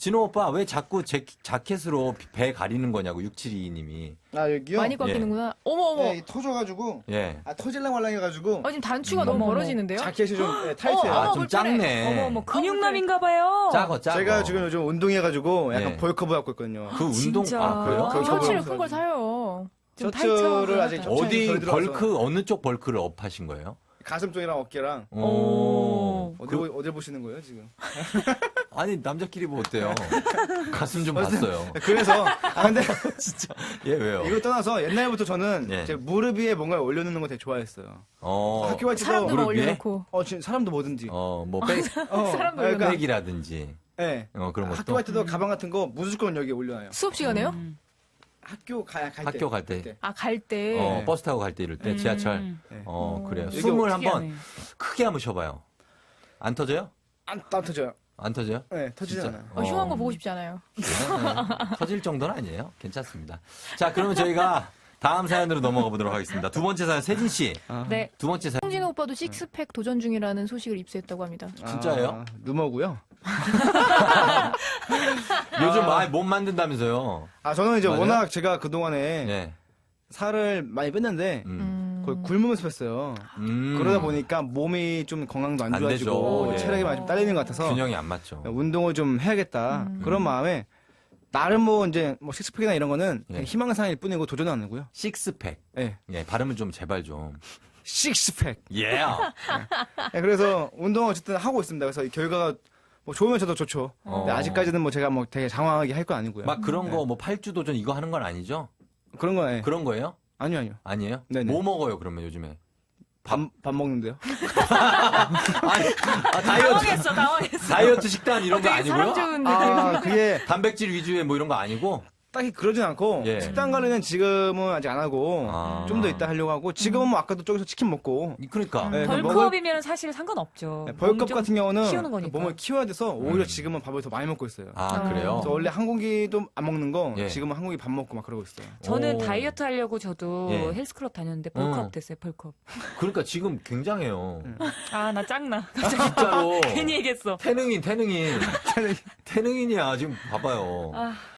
진호 오빠 왜 자꾸 자켓으로 배 가리는 거냐고 6722님이. 아 여기요? 많이 꺾이는구나. 어머 어머. 네, 터져가지고 예. 터질랑 말랑해가지고 지금 단추가 너무 어머, 어머. 멀어지는데요? 자켓이 좀 타이트해요. 아, 어머, 좀 불편해. 작네. 어머, 근육남인가 봐요. 작어. 제가 지금 요즘 운동해가지고 약간 예. 벌크업 갖고 있거든요. 그 운동 진짜? 아 그래요? 그 셔츠를 저거- 큰 걸 사요. 좀 셔츠를 아직 타이트하다. 협찬이 덜 어디 들어와서 벌크 어느 쪽 벌크를 업하신 거예요? 가슴 쪽이랑 어깨랑 오. 어딜 보시는 거예요 지금? 아니 남자끼리 뭐 어때요? 가슴 좀 봤어요. 그래서 근데 예 왜요? 이거 떠나서 옛날부터 저는 예. 제 무릎 위에 뭔가 올려놓는 거 되게 좋아했어요. 어. 학교 갈 때도 사람도 막 무릎 위에? 올려놓고. 지금 사람도 뭐든지. 뭐 사람도 그러니까, 백이라든지 예. 그런 학교 것도 갈 때도 가방 같은 거 무조건 여기에 올려놔요. 수업 시간에요? 학교 갈 때. 학교 갈 때. 아, 갈 때. 네. 버스 타고 갈 때 이럴 때 지하철. 네. 그래요. 이게 숨을 특이하네. 한번 크게 한번 쉬어봐요. 안 터져요? 안 터져요. 안 터져요? 네, 터지지 진짜? 않아요. 흉한 거 보고 싶지 않아요. 네. 터질 정도는 아니에요. 괜찮습니다. 자, 그러면 저희가 다음 사연으로 넘어가 보도록 하겠습니다. 두 번째 사연, 세진 씨. 네. 두 번째 사연. 홍진호 오빠도 식스팩 도전 중이라는 소식을 입수했다고 합니다. 진짜예요? 루머고요. 요즘 못 만든다면서요. 저는 이제 맞아요? 워낙 제가 그동안에 네. 살을 많이 뺐는데 거의 굶으면서 뺐어요. 음. 그러다 보니까 몸이 좀 건강도 안 안 좋아지고 되죠. 예. 체력이 많이 좀 딸리는 것 같아서 균형이 안 맞죠. 운동을 좀 해야겠다. 그런 마음에 나름 이제 식스팩이나 이런 거는 예. 그냥 희망사항일 뿐이고 도전은 안 하고요. 식스팩. 예. 예, 발음을 좀 제발 좀. 식스팩. 예. 예, 그래서 운동을 어쨌든 하고 있습니다. 그래서 이 결과가 뭐 좋으면 저도 좋죠. 근데 아직까지는 뭐 제가 뭐 되게 장황하게 할 거 아니고요. 막 그런 거 뭐 팔주 도전 이거 하는 건 아니죠? 그런 거 예. 그런 거예요? 아니요. 아니에요? 네네. 뭐 먹어요, 그러면 요즘에? 밥 먹는데요. 당황했어. 다이어트 식단 이런 거 아니고요? 사람 좋은 느낌. 그게 단백질 위주의 뭐 이런 거 아니고? 딱히 그러진 않고 예. 식단 관리는 지금은 아직 안 하고 아. 좀 더 이따 하려고 하고 지금은 뭐 아까도 저기서 치킨 먹고 그러니까. 네, 벌크업이면 사실 상관없죠. 벌크업 몸좀 같은 경우는 키우는 거니까. 몸을 키워야 돼서 오히려 지금은 밥을 더 많이 먹고 있어요. 아, 그래요? 그래서 원래 한 공기도 안 먹는 거 예. 지금은 한 공기 밥 먹고 막 그러고 있어요. 저는 오. 다이어트 하려고 저도 예. 헬스클럽 다녔는데 벌크업 됐어요. 벌크업. 그러니까 지금 굉장해요. 아, 나 짱나. 진짜로. 괜히 얘기했어. 태능인이야. 지금 봐봐요.